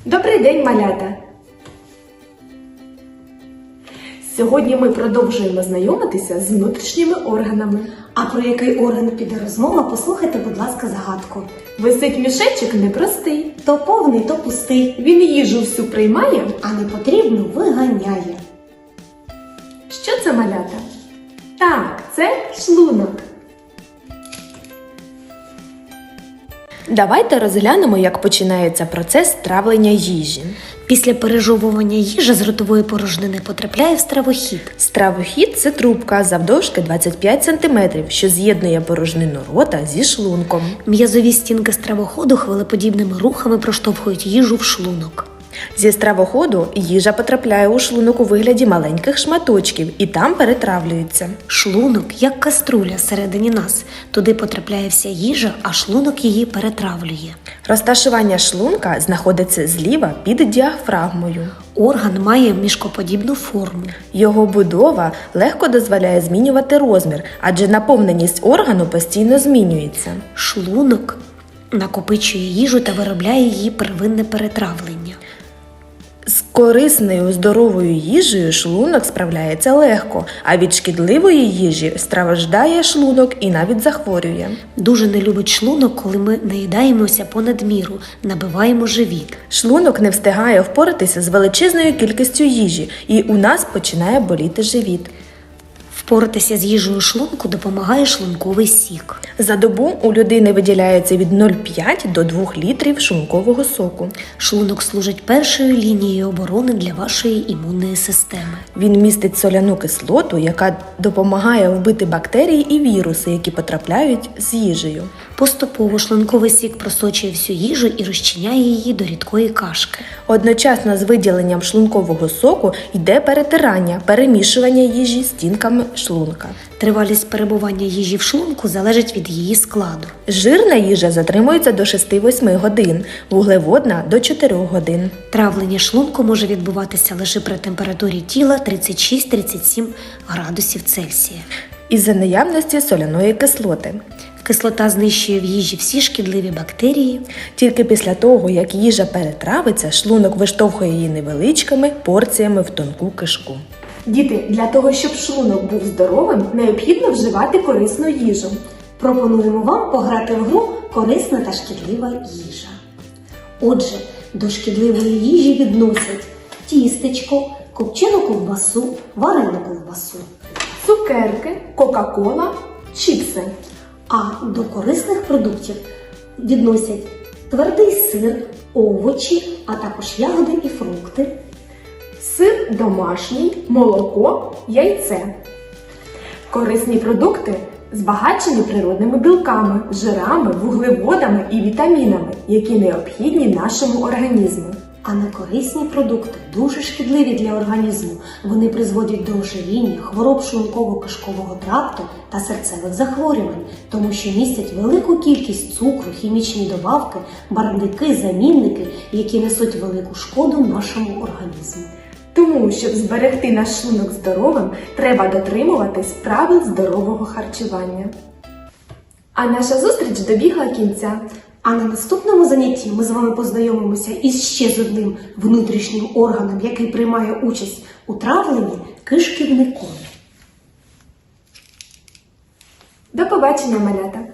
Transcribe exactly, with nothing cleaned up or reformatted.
Добрий день, малята! Сьогодні ми продовжуємо знайомитися з внутрішніми органами. А про який орган піде розмова, послухайте, будь ласка, загадку. Висить мішечок непростий. То повний, то пустий, Він їжу всю приймає. а не потрібно виганяє. Що це, малята? Так, це шлунок. Давайте розглянемо, як починається процес травлення їжі. Після пережовування їжа з ротової порожнини потрапляє в стравохід. Стравохід – це трубка завдовжки двадцять п'ять сантиметрів, що з'єднує порожнину рота зі шлунком. М'язові стінки стравоходу хвилеподібними рухами проштовхують їжу в шлунок. Зі стравоходу їжа потрапляє у шлунок у вигляді маленьких шматочків і там перетравлюється. Шлунок, як каструля всередині нас. Туди потрапляє вся їжа, а шлунок її перетравлює. Розташування шлунка знаходиться зліва під діафрагмою. Орган має мішкоподібну форму. Його будова легко дозволяє змінювати розмір, адже наповненість органу постійно змінюється. Шлунок накопичує їжу та виробляє її первинне перетравлення. З корисною здоровою їжею шлунок справляється легко, а від шкідливої їжі страждає шлунок і навіть захворює. Дуже не любить шлунок, коли ми наїдаємося понад міру, набиваємо живіт. Шлунок не встигає впоратися з величезною кількістю їжі, і у нас починає боліти живіт. Впоратися з їжею шлунку допомагає шлунковий сік. За добу у людини виділяється від нуль цілих п'ять до двох літрів шлункового соку. Шлунок служить першою лінією оборони для вашої імунної системи. Він містить соляну кислоту, яка допомагає вбити бактерії і віруси, які потрапляють з їжею. Поступово шлунковий сік просочує всю їжу і розчиняє її до рідкої кашки. Одночасно з виділенням шлункового соку йде перетирання, перемішування їжі стінками шлунка. Тривалість перебування їжі в шлунку залежить від її складу. Жирна їжа затримується до шести-восьми годин, вуглеводна – до чотирьох годин. Травлення шлунку може відбуватися лише при температурі тіла тридцять шість - тридцять сім градусів Цельсія. Із-за наявності соляної кислоти. Кислота знищує в їжі всі шкідливі бактерії. Тільки після того, як їжа перетравиться, шлунок виштовхує її невеличкими порціями в тонку кишку. Діти, для того, щоб шлунок був здоровим, необхідно вживати корисну їжу. Пропонуємо вам пограти в гру «Корисна та шкідлива їжа». Отже, до шкідливої їжі відносять тістечко, копчену ковбасу, варену ковбасу. Цукерки, кока-кола, чіпси. А до корисних продуктів відносять твердий сир, овочі, а також ягоди і фрукти. Сир домашній, молоко, яйце. Корисні продукти збагачені природними білками, жирами, вуглеводами і вітамінами, які необхідні нашому організму. А некорисні продукти дуже шкідливі для організму. Вони призводять до ожиріння, хвороб шлунково-кишкового тракту та серцевих захворювань, тому що містять велику кількість цукру, хімічні добавки, барвники, замінники, які несуть велику шкоду нашому організму. Тому, щоб зберегти наш шлунок здоровим, треба дотримуватись правил здорового харчування. А наша зустріч добігла кінця. А на наступному занятті ми з вами познайомимося із ще з одним внутрішнім органом, який приймає участь у травленні – кишківником. До побачення, малята!